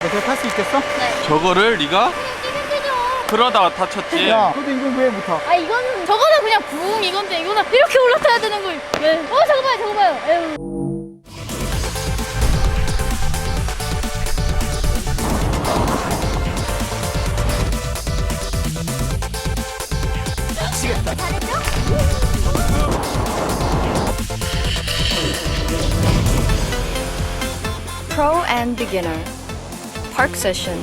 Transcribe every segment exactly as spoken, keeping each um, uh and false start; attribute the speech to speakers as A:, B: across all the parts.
A: 어떻게 탈 수 있겠어?
B: 네.
C: 저거를 네가
B: 뛰면 되죠.
C: 그러다가 다쳤지.
A: 야, 근데 이건 왜 못하?
B: 아 이거는 저거는 그냥 붕 이건데 이거는 이렇게 올라타야 되는 거예요. 네. 어 저거 봐요 저거 봐요. 에휴.
A: 미치겠다.
B: 잘했죠?
D: Pro and Beginner Park Session.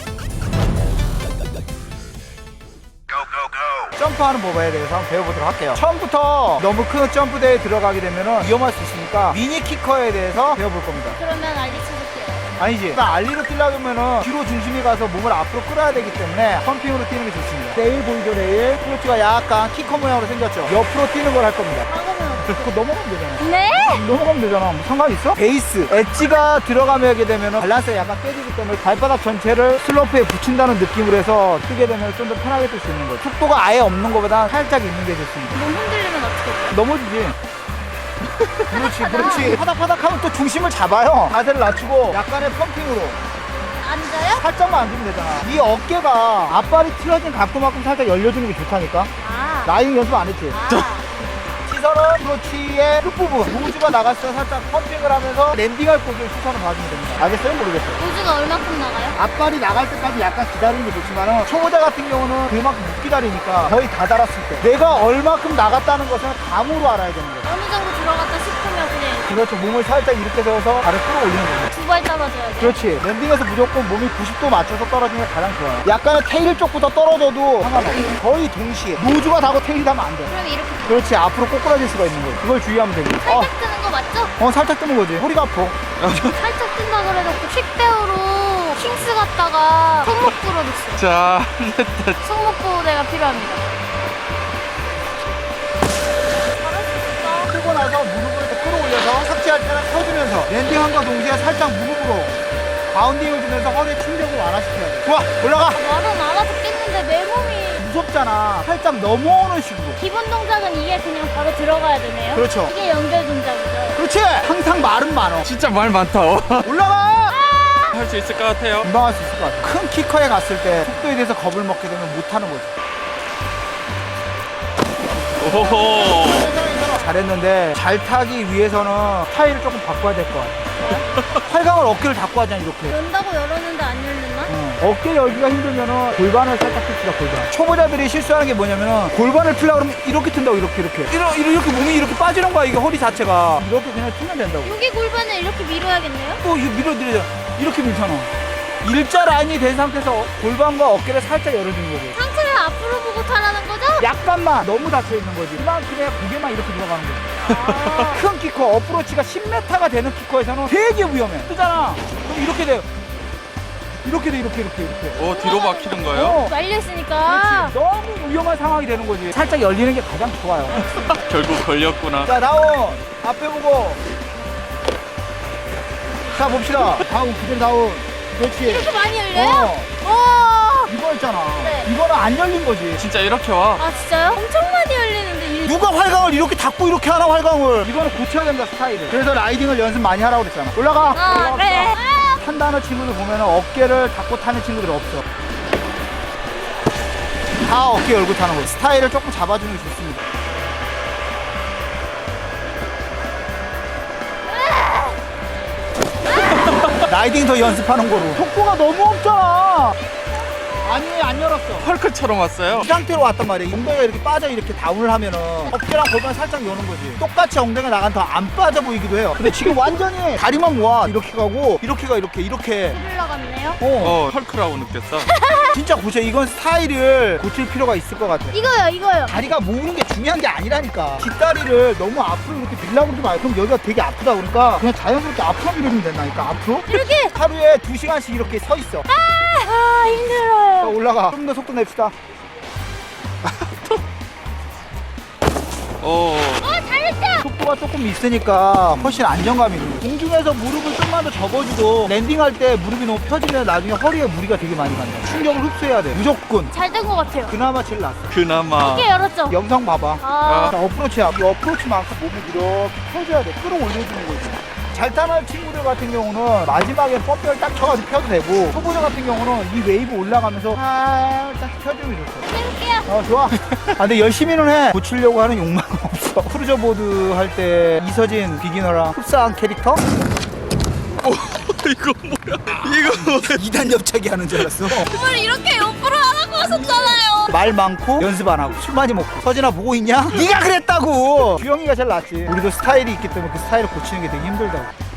A: 점프하는 법에 대해서 한번 배워보도록 할게요. 처음부터 너무 큰 점프대에 들어가게 되면 위험할 수 있으니까 미니 키커에 대해서 배워볼 겁니다.
B: 그러면 알리 쳐볼게요.
A: 아니지. 일단 알리로 뛰려면 뒤로 중심이 가서 몸을 앞으로 끌어야 되기 때문에 펌핑으로 뛰는 게 좋습니다. 레일 보이죠, 레일? 클러치가 약간 키커 모양으로 생겼죠. 옆으로 뛰는 걸 할 겁니다.
B: 막으면
A: 그거 넘어가면 되잖아.
B: 네?
A: 넘어가면 되잖아. 뭐 상관 있어? 베이스 엣지가 들어가게 되면 밸런스가 약간 깨지기 때문에 발바닥 전체를 슬로프에 붙인다는 느낌으로 해서 뛰게 되면 좀 더 편하게 뛸 수 있는 거죠. 속도가 아예 없는 것보다 살짝 있는 게 좋습니다.
B: 몸 흔들리면 어떻게 돼요?
A: 넘어지지. 그렇지, 그렇지. 파닥파닥 하면 또 중심을 잡아요. 자세를 낮추고 약간의 펌핑으로
B: 앉아요?
A: 살짝만 앉으면 되잖아. 이 어깨가 앞발이 틀어진 각도만큼 살짝 열려주는 게 좋다니까.
B: 아.
A: 라이딩 연습 안 했지?
B: 아.
A: 시선은 크러치의 끝부분, 노즈가 나갔을 때 살짝 펌핑을 하면서 랜딩할 곳을 시선을 봐주면 됩니다. 알겠어요? 모르겠어요?
B: 노즈가 얼마큼 나가요?
A: 앞발이 나갈 때까지 약간 기다리는 게 좋지만 초보자 같은 경우는 그만큼 못 기다리니까 거의 다 달았을 때 내가 얼마큼 나갔다는 것을 감으로 알아야 되는 거예요.
B: 어느 정도 들어갔다 싶으면 그냥
A: 그렇죠. 몸을 살짝 이렇게 세워서 발을 끌어올리는 거예요.
B: 두 발 떨어져야 돼요.
A: 그렇지. 랜딩에서 무조건 몸이 구십 도 맞춰서 떨어지는 게 가장 좋아요. 약간의 테일 쪽부터 떨어져도 상관없어요. 거의 동시에 노즈가 닿고 테일이 닿으면 안 돼.
B: 그럼 이렇게
A: 그렇지. 앞으로 꼬꾸라질 수가 있는 거예요. 그걸 주의하면 됩니다. 어,
B: 살짝 뜨는 거 맞죠?
A: 어 살짝 뜨는 거지. 허리가 아파.
B: 살짝 뜬다 그래놓고 킥배우로 킹스 갔다가 손목 부러졌어요.
C: 자,
B: 손목 보호대가 필요합니다. 잘할 수 있어.
A: 뜨고 나서 무릎을 또 끌어올려서 삭제할 때는 펴주면서 랜딩함과 동시에 살짝 무릎으로 바운딩을 주면서 허리에 충격을 완화시켜야 돼. 좋아, 올라가.
B: 말은 안 하겠는데 내 몸이
A: 무섭잖아. 살짝 넘어오는 식으로.
B: 기본 동작은 이게 그냥 바로 들어가야 되네요.
A: 그렇죠.
B: 이게 연결 동작이죠.
A: 그렇지. 항상 말은 많어.
C: 진짜 말 많다.
A: 올라가.
C: 할 수 있을 것 같아요.
A: 금방 할 수 있을 것 같아. 큰 키커에 갔을 때 속도에 대해서 겁을 먹게 되면 못하는 거지.
C: 오호.
A: 잘했는데 잘 타기 위해서는 스타일을 조금 바꿔야 될 것 같아. 활강을 어깨를 닫고 하잖아, 이렇게.
B: 연다고 열었는데 안 열렸나?
A: 어. 어깨 열기가 힘들면은 골반을 살짝 핍시다, 골반. 초보자들이 실수하는 게 뭐냐면은 골반을 틀려고 그러면 이렇게 튼다고, 이렇게, 이렇게. 이렇게, 이렇게 몸이 이렇게 빠지는 거야, 이게 허리 자체가. 이렇게 그냥 틀면 된다고.
B: 여기 골반을 이렇게 밀어야겠네요?
A: 또 이거 밀어드리자. 이렇게 밀잖아. 일자 라인이 된 상태에서 골반과 어깨를 살짝 열어주는 거지.
B: 상체를 앞으로 보고 타라는 거죠?
A: 약간만 너무 닫혀 있는 거지. 그만큼의 고개만 이렇게 들어가는 거지.
B: 아.
A: 큰 키커, 어프로치가 십 미터가 되는 키커에서는 되게 위험해. 뜨잖아. 그럼 이렇게 돼요. 이렇게 돼, 이렇게, 이렇게, 이렇게.
C: 오, 뒤로 막히는 거예요?
A: 어.
B: 말려있으니까.
A: 그렇지. 너무 위험한 상황이 되는 거지. 살짝 열리는 게 가장 좋아요.
C: 결국 걸렸구나.
A: 자, 다운. 앞에 보고. 자, 봅시다. 다운, 그대로 다운. 그렇지.
B: 이렇게 많이 열려요?
A: 어.
B: 와.
A: 이거 있잖아.
B: 네.
A: 이거는 안 열린 거지.
C: 진짜 이렇게 와.
B: 아 진짜요? 엄청 많이 열리는데 이...
A: 누가 활강을 이렇게 닫고 이렇게 하나, 활강을. 이거는 고쳐야 된다, 스타일을. 그래서 라이딩을 연습 많이 하라고 그랬잖아. 올라가.
B: 아
A: 올라갑시다.
B: 그래. 아.
A: 탄다는 친구들 보면 어깨를 닫고 타는 친구들이 없어. 다 어깨 열고 타는 거지. 스타일을 조금 잡아주는 게 좋습니다. 라이딩 더 연습하는 거로. 속도가 너무 없잖아. 아니, 안 열었어.
C: 헐크처럼 왔어요.
A: 이 상태로 왔단 말이야. 엉덩이가 이렇게 빠져 이렇게 다운을 하면은 어깨랑 골반 살짝 여는 거지. 똑같이 엉덩이가 나간 더 안 빠져 보이기도 해요. 근데 지금 완전히 다리만 모아. 이렇게 가고 이렇게 가, 이렇게 이렇게.
B: 흘러 갔네요.
A: 어,
C: 어, 헐크라고 느꼈어.
A: 진짜 고쳐. 이건 스타일을 고칠 필요가 있을 것 같아.
B: 이거요 이거요.
A: 다리가 모으는 게 중요한 게 아니라니까. 뒷다리를 너무 앞으로 이렇게 밀라고 그러지 말고. 그럼 여기가 되게 아프다 그러니까 그냥 자연스럽게 앞으로 밀어주면 된다니까. 앞으로.
B: 이렇게.
A: 하루에 두 시간씩 이렇게 서 있어.
B: 아 힘들어요.
A: 자, 올라가. 좀 더 속도 냅시다.
C: 오.
B: 어 잘했다.
A: 속도가 조금 있으니까 훨씬 안정감이 있는 거야. 공중에서 무릎을 좀만 더 접어주고 랜딩할 때 무릎이 너무 펴지면 나중에 허리에 무리가 되게 많이 간다. 충격을 흡수해야 돼. 무조건.
B: 잘 된 것 같아요.
A: 그나마 제일 낫어.
C: 그나마.
B: 이게 열었죠?
A: 영상 봐봐.
B: 아.
A: 자, 어프로치야. 이 어프로치만큼 몸을 이렇게 펴줘야 돼. 끌어올려주는 거지. 잘 타는 친구들 같은 경우는 마지막에 펌프를 딱 쳐가지고 펴도 되고, 초보자 같은 경우는 이 웨이브 올라가면서 살짝 펴주면 좋죠.
B: 해볼게요.
A: 어, 좋아. 아, 근데 열심히는 해. 고치려고 하는 욕망은 없어. 크루저 보드 할 때 이서진 비기너랑 흡사한 캐릭터?
C: 오, 이거 뭐야? 이거 뭐야?
A: 이 단 옆차기 하는 줄 알았어.
B: 뭘 이렇게 옆으로 하라고 하셨잖아요.
A: 말 많고 연습 안 하고 술 많이 먹고. 서진아 보고 있냐? 네가 그랬다고. 주영이가 제일 낫지. 우리도 스타일이 있기 때문에 그 스타일을 고치는 게 되게 힘들다고.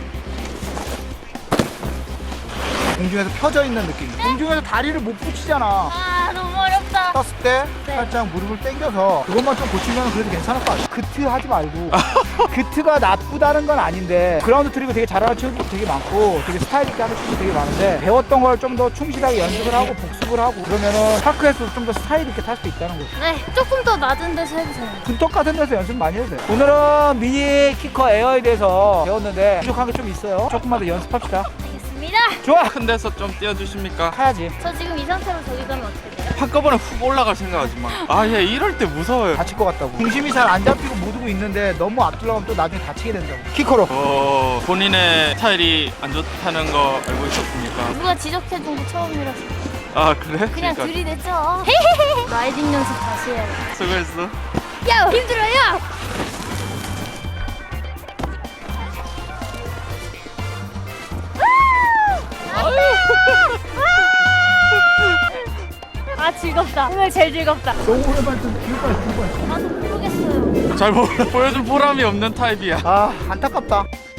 A: 공중에서 펴져 있는 느낌. 공중에서 다리를 못 붙이잖아.
B: 아 너무 어렵다.
A: 떴을 때
B: 네.
A: 살짝 무릎을 당겨서 그것만 좀 고치면 그래도 괜찮을 것 같아. 그트 하지 말고. 그트가 나쁘다는 건 아닌데 그라운드 트릭을 되게 잘하는 친구도 되게 많고 되게 스타일 있게 하는 친구도 되게 많은데 배웠던 걸 좀 더 충실하게 연습을 하고 복습을 하고 그러면은 파크에서 좀 더 스타일 있게 탈 수 있다는 거지.
B: 네, 조금 더 낮은 데서 해주세요.
A: 군턱 같은 데서 연습 많이 해도 돼. 오늘은 미니 키커 에어에 대해서 배웠는데 부족한 게 좀 있어요. 조금만 더 연습합시다.
B: 알겠습니다.
A: 좋아!
C: 큰 데서 좀 띄워주십니까?
A: 타야지.
B: 저 지금 이 상태로 저기 가면 어떻게 돼요?
C: 한꺼번에 훅 올라갈 생각하지 마. 아, 얘 이럴 때 무서워요.
A: 다칠 것 같다고. 중심이 잘 안 잡히고 못 오고 있는데 너무 앞들어가면또 나중에 다치게 된다고. 키커로.
C: 어, 본인의 스타일이 안 좋다는 거 알고 있었습니까?
B: 누가 지적해준 거 처음이라서
C: 아, 그래?
B: 그냥
C: 그러니까
B: 들이댔죠. 라이딩 연습 다시 해야 돼.
C: 수고했어.
B: 야 힘들어요. 아 즐겁다. 오늘 제일 즐겁다.
A: 너무 오랜만에 좀 기울 뻔했어. 기울 뻔했어.
B: 나도 모르겠어요.
C: 잘 보, 보여줄 보람이 없는 타입이야.
A: 아, 안타깝다.